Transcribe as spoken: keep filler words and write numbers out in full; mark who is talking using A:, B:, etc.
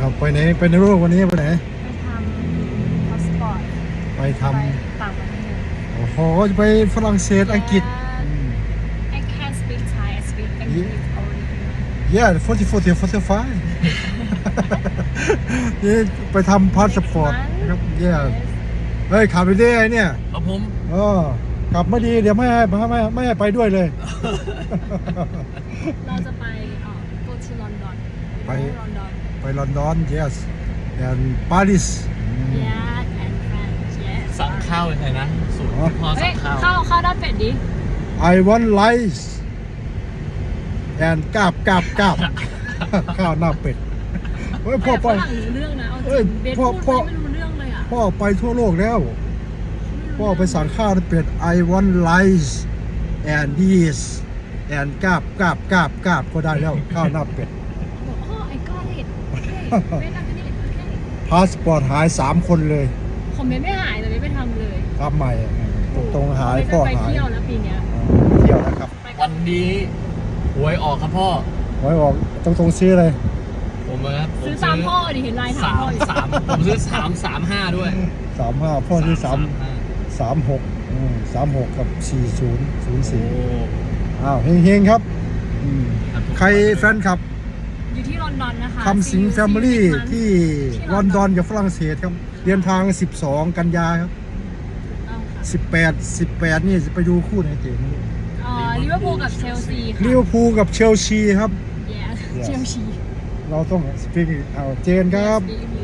A: เอาไปไหนไปในโลกวันนี้ไปไหน
B: ไปทำพาสปอร์ต
A: ไปท
B: ไปต่างประเทศ
A: ำโอ้โหจะไปฝรั่งเศสอังกฤษ
B: I can't speak Thai I speak English only
A: yeah forty forty forty five นี่ไปทำพาสปอร์ตนะครับ yeah เฮ้ยขับไปได้ไงเนี่ย
C: ครับผม
A: เออขับไม่ดีเดี๋ยวไม่ให้ไม่ให้ไม่ให้ไปด้วยเลย
B: เราจะไปเอ่อ go to London
A: ไป
B: ลอนดอน
A: ไปลอนดอน yes and Paris
B: yeah and France yes
C: สั่งข้าวยังไงนะสูตรที่พ่อ
B: เฮ้
C: สั่
B: ย
C: งข้าว
B: ข้าวข้าวด้านเป็ดดิ
A: I want rice and กาบกาบกาบ ข้าวหน้าเป็ดเฮ้ยพ่อไป
B: ฝรั่งรู้เรื่องนะเอาจ
A: เอ้
B: ริ
A: ย
B: งเบส
A: พ่อ
B: พูด
A: พ่อ
B: ไม่รู้เรื่องเลยอ่ะ
A: พ่อไปทั่วโลกแล้วพ่อไปสั่งข้าวหน้าเป็ด I want rice and this and กาบกาบกาบกาบก็ได้แล้วข้าวหน้าเป็ด
B: บอกอ๋อ I got it โอเคเบสทำนี่โอเค
A: พาสปอร์ตหายสามคนเลย
B: คอมเมนต์ไม่หายแต่เบสไปทำเลย
A: ทำใหม่ตรงๆหายพ่อ
B: ไป
A: หาย
B: เที่ยวแล้วปีเนี้ย
A: ไปเที่ยวนะครับ
B: ไปกั
C: วั
B: บ
C: นนี้หวยออกครับพ่อ
A: ไว้บอกตรงๆซื้อเลย
C: ผมนะครับผม
B: ซื้อตามพ่อดิเห็นลายถาม
C: สาม
B: พ่ออยู่
C: สามผมซื้อสามสามห้าด้วย
A: สามห้าพ่อซื้อสาม
C: ห้า
A: สามหกสามหกกับสี่ศูนย์ศูนย์
C: โอ้
A: สี่อ้าวเฮงๆครับอืม
C: ครับ
A: ใครแฟนคลับ
B: อยู่ที่ลอนดอนนะคะ
A: คำสิงแฟมิลี่ที่ลอนดอนกับฝรั่งเศสครับเดินทางสิบสองกันยาครับ
B: เอาค่ะ
A: สิบแปด สิบแปดนี่จะไปดูคู่ไหนเจ๋ง
B: เอ่อลิเวอร์พูลกับเชลซีค่ะ
A: ลิเวอร์พูลกับเชลซีครับ
B: Yes เชลซี
A: เราต้องสปีกเอาเจนครับ
B: Yes